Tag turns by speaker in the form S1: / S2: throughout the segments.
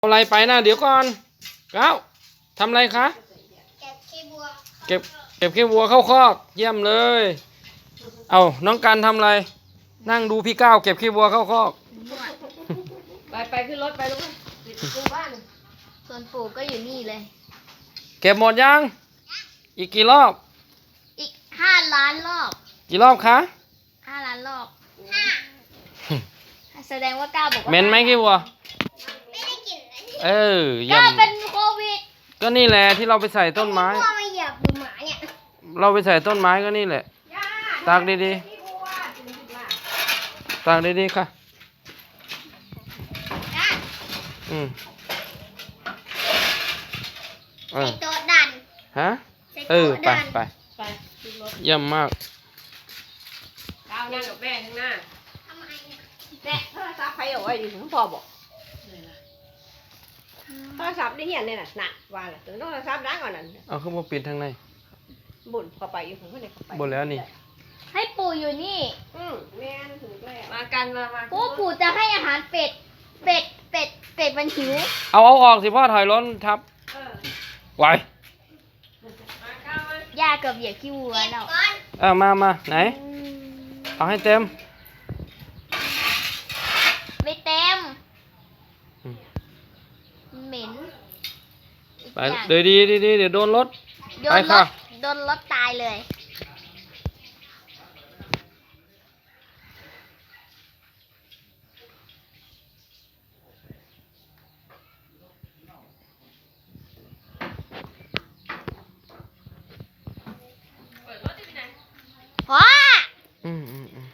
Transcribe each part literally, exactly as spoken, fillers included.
S1: เอาอะไรไปนะเดี๋ยวก่อนเก้าทำอะไรคะ
S2: เก็บขี้บัว
S1: เก็บเก็บขี้วัวเข้าคอกเยี่ยมเลยเอาน้องกันทำอะไรนั่งดูพี่ก้าวเก็บขี้วัวเข้าคอก
S3: ไปไปขึ้นรถไปลูกติดกูบ้าน
S2: ส่วนปู่ก็อยู่นี่เลย
S1: เก็บหมดยังอีกกี่รอบ
S2: อีกห้าล้านรอบ
S1: กี่รอบคะ
S2: ห้าล้านรอบห้าแสดงว่าก้าวบอกว่า
S1: เหม็นไหมขี้วัว
S2: ไม่ได้กลิ่น
S1: เออเยี่ย
S2: ก้าม เป็นโควิด
S1: ก็นี่แหละที่เราไปใส่ต้นไม้
S2: พ่อมาเหยียบดูหมาเนี่ย
S1: เราไปใส่ต้นไม้ก็นี่แหละตากดีๆตากดีๆค่ะอืมเอ
S2: ใส่
S1: อ
S2: โต๊ะดัน
S1: ฮะ
S2: ใส่
S1: เออ
S2: โต๊ะ
S1: ไป
S2: ดัน
S1: ไป
S3: ไปขึ้นรถ
S1: เยี่ยมมาก
S3: ก้าวนั่งกับแม่ข้างหน้า
S2: ทำไมเนี่ย
S3: แม่โทรศัพท์ใครเอาไว้ดิถึงพ่อบอกโทรศัพท์ได้เหี้ยนเลยน่ะหนักว่าล่ะถึงโทรศัพท์ดังกว่านั้น
S1: เอาขึ้นมาปิดทางใน
S3: บุญเข้าไปอยู่ถึงข้างในเข้าไป
S1: บนแล้วนี่
S2: ให้ปู่อยู่นี่
S3: อืมแม่นถึงแล้วมากันมามา
S2: ปู่ปู่จะให้อาหารเป็ดเป็ดเป็ดเป็ดมันหิว
S1: เอาเอาออกสิพ่อถอยรถทับ
S3: เออ
S1: ไหว
S3: มาก้าวมา
S2: ย่าเกือบเหยียบขี้วัวแล้ว
S1: เออมามาไหนเอาให้เต็ม
S2: ไม่เต็ม
S1: อืม
S2: เหม็นอีก
S1: ไป
S2: อย่าง
S1: เดี๋ยวดีดีดีเดี๋ยวโดนรถ
S2: โด
S1: ไป
S2: นร
S1: ค่ะ
S2: ถโดนรถตายเลย
S3: เปิดรถได้ที่ไหน
S2: พ่อ
S1: อืมอืมอืม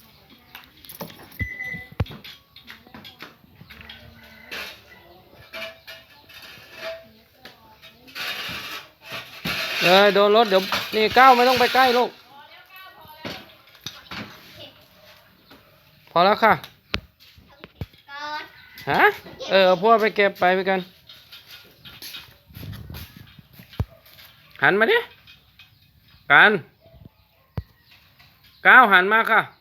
S1: เลยโดนรถเดี๋ยวนี่ก้าวไม่ต้องไปใกล้ลูกพอแล้วค่ะ
S2: ก่อน
S1: ฮะเออเอาพวกไปเก็บไปไปกัน หันมาดิกันก้าวหันมาค่ะ